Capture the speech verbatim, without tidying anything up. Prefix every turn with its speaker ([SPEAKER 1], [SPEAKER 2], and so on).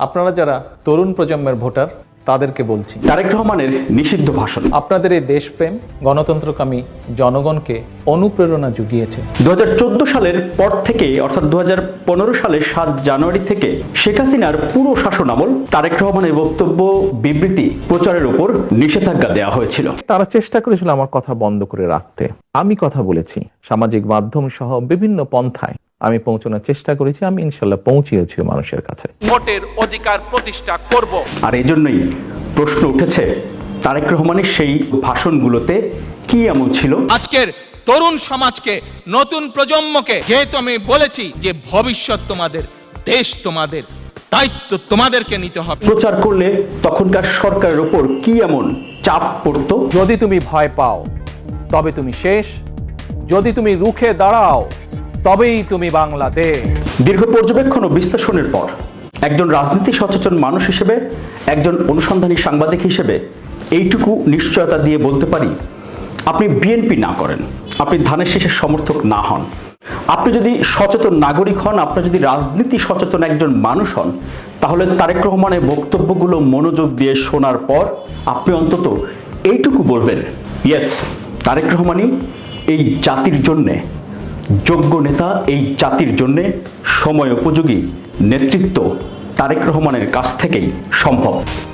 [SPEAKER 1] আপনারা যারা তরুণ প্রজন্মের ভোটার তাদেরকে বলছি,
[SPEAKER 2] তারেক রহমানের নিষিদ্ধ ভাষণ
[SPEAKER 1] আপনাদের এই দেশপ্রেম গণতন্ত্রকামী জনগণকে অনুপ্রেরণা জুগিয়েছে।
[SPEAKER 2] দু হাজার চোদ্দ সালের পর থেকে অর্থাৎ দু হাজার পনেরো সালের সাত জানুয়ারি থেকে শেখ হাসিনার পুরো শাসন আমল তারেক রহমানের বক্তব্য বিবৃতি প্রচারের উপর নিষেধাজ্ঞা দেওয়া হয়েছিল।
[SPEAKER 3] তারা চেষ্টা করেছিল আমার কথা বন্ধ করে রাখতে। আমি কথা বলেছি সামাজিক মাধ্যম সহ বিভিন্ন পন্থায় আমি পৌঁছানোর চেষ্টা করেছি। আমি ইনশাল্লাহ পৌঁছিয়েছি মানুষের কাছে।
[SPEAKER 4] ভোটের অধিকার প্রতিষ্ঠা করব।
[SPEAKER 2] আর এই জন্যই প্রশ্ন উঠেছে তারেক রহমানের সেই ভাষণগুলোতে কি এমন ছিল।
[SPEAKER 4] আজকের তরুণ সমাজকে, নতুন প্রজন্মকে, যেহেতু আমি বলেছি যে ভবিষ্যৎ তোমাদের, দেশ তোমাদের, দায়িত্ব তোমাদেরকে নিতে হবে,
[SPEAKER 2] প্রচার করলে তখনকার সরকারের উপর কি এমন চাপ পড়তো।
[SPEAKER 1] যদি তুমি ভয় পাও তবে তুমি শেষ, যদি তুমি রুখে দাঁড়াও তবেই তুমি বাংলাদেশ।
[SPEAKER 2] দীর্ঘ পর্যবেক্ষণ ও বিশ্লেষণের পর একজন রাজনীতি সচেতন মানুষ হিসেবে, একজন অনুসন্ধানী সাংবাদিক হিসেবে এইটুকু নিশ্চয়তা দিয়ে বলতে পারি, আপনি বিএনপি না করেন, আপনি ধানের শীষের সমর্থক না হন, আপনি যদি সচেতন নাগরিক হন, আপনি যদি রাজনীতি সচেতন একজন মানুষ হন, তাহলে তারেক রহমানের বক্তব্যগুলো মনোযোগ দিয়ে শোনার পর আপনি অন্তত এইটুকু বলবেন, ইয়েস, তারেক রহমানই এই জাতির জন্যে যোগ্য নেতা, এই জাতির জন্যে সময় উপযোগী নেতৃত্ব তারেক রহমানের কাছ থেকেই সম্ভব।